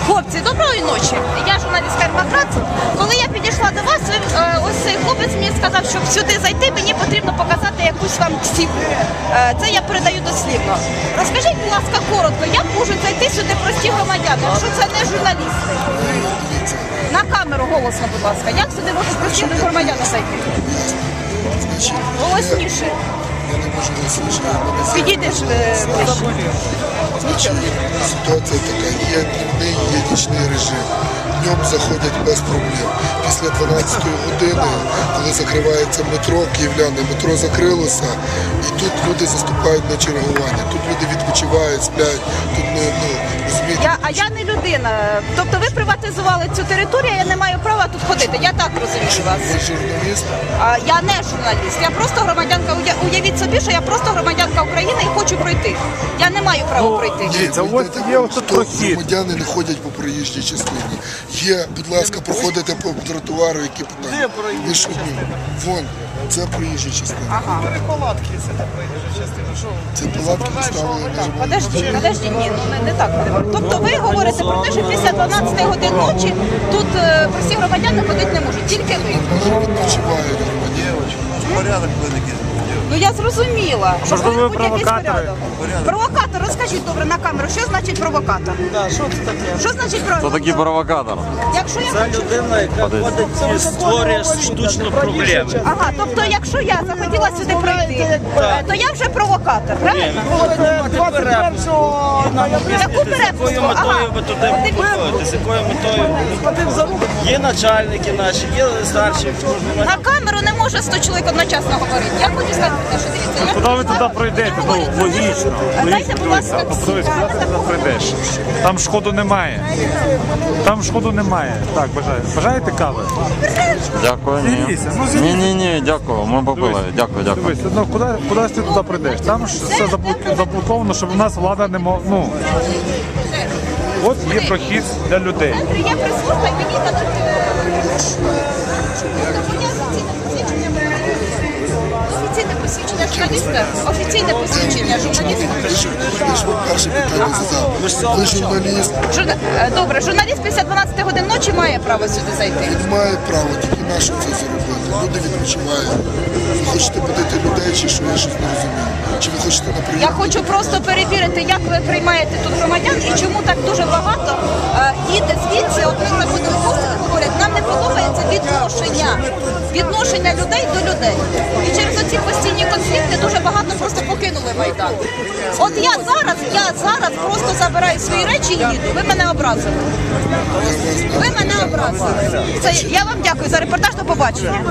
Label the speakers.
Speaker 1: Хлопці, доброї ночі. Я журналістка Ермакрат. Коли я підійшла до вас, ось цей хлопець мені сказав, щоб сюди зайти, мені потрібно показати якусь вам ксівку. Це я передаю дослівно. Розкажіть, будь ласка, коротко, як можуть зайти сюди прості громадяни, якщо це не журналісти? На камеру голосно, будь ласка. Як сюди можуть прості громадяни зайти? Голосніше.
Speaker 2: Я не можу голосніше.
Speaker 1: Підійдеш ближче.
Speaker 2: Ситуація така, є дневний, є нічний режим. Днем заходять без проблем. Після 12 години, коли закривається метро, київляне, метро закрилося, і тут люди заступають на чергування. Тут люди відпочивають, сплять, тут розумієте.
Speaker 1: А я не людина. Тобто ви приватизували цю територію, я не маю права тут ходити. Я так розумію вас.
Speaker 2: Ви журналіст?
Speaker 1: Я не журналіст, я просто громадянка. Уявіть собі, що я просто громадянка України і хочу пройти. Я не маю права пройти.
Speaker 2: Це громадяни не ходять по проїжджій частині. Є, будь ласка, проходите по тротуару, які питання. Ви що, вон, це проїжджа частина.
Speaker 1: Ага.
Speaker 2: Це палатки поставили на журналістів.
Speaker 1: Подожди, ні, ну не так. Тобто ви говорите про те, що після 12 годин ночі тут прості громадяни ходити не можуть, тільки ви.
Speaker 2: Вони відпочивають громадяни.
Speaker 3: Порядок великий.
Speaker 1: Ну я зрозуміла.
Speaker 4: Можливо, ви
Speaker 1: повинен бути якийсь
Speaker 4: провокатори?
Speaker 1: порядок. Провокатор, розкажіть добре на камеру, що значить провокатор?
Speaker 5: Що це таке?
Speaker 1: Що значить
Speaker 4: Хто
Speaker 1: провокатор?
Speaker 4: такий провокатор?
Speaker 1: Якщо я
Speaker 5: Це
Speaker 1: хочу...
Speaker 5: людина, яка ходить і створює штучно проблеми.
Speaker 1: Ага, тобто якщо я захотіла сюди пройти, то я вже провокатор, правильно? Яку
Speaker 5: З якою
Speaker 1: перепустку? Ага.
Speaker 5: метою ви туди приходите? З якою метою? Є начальники наші, є старші.
Speaker 1: На камеру не може 100 чоловік одночасно говорити. Я хочу сказати, що дивіться, я
Speaker 4: Куди ви
Speaker 1: прийшла-
Speaker 4: туди пройдете? Ну, логічно.
Speaker 1: Дайте, будь ласка,
Speaker 4: Тобто ви куди ти туди пройдеш? Там шкоду немає. Там шкоду немає. Так, бажаєте кави?
Speaker 6: Дякую, ні.
Speaker 4: Дивіться, ну, звідси.
Speaker 6: Ні, дякую, ми попили. Дякую.
Speaker 4: Дивись, ну куди ти туди прийдеш? Там ж все заблоковано, щоб у нас влада не могла. Ну, от є прохід для людей.
Speaker 1: Я прислухаю, мені дадуть офіційне посвідчення журналіста. Офіційне посвідчення журналіста.
Speaker 2: Ви ж перше питання задав. Ви журналіст,
Speaker 1: Добре, журналіст після 12 годин ночі має право сюди зайти.
Speaker 2: він має право, тільки на що це зробити. Люди відпочивають. Ви хочете будити людей, чи що, я щось не розумію. Чи ви хочете на
Speaker 1: Я
Speaker 2: прийом?
Speaker 1: хочу просто перевірити, як ви приймаєте тут громадян і чому так дуже багато їде звідси. От ми заходили в гості, говорять, нам не подобається відношення людей до людей. І через оці постійні конфлікти дуже багато просто покинули Майдан. От я зараз просто забираю свої речі і їду. Ви мене образили. Ви мене образили. Я вам дякую за репортаж, до побачення.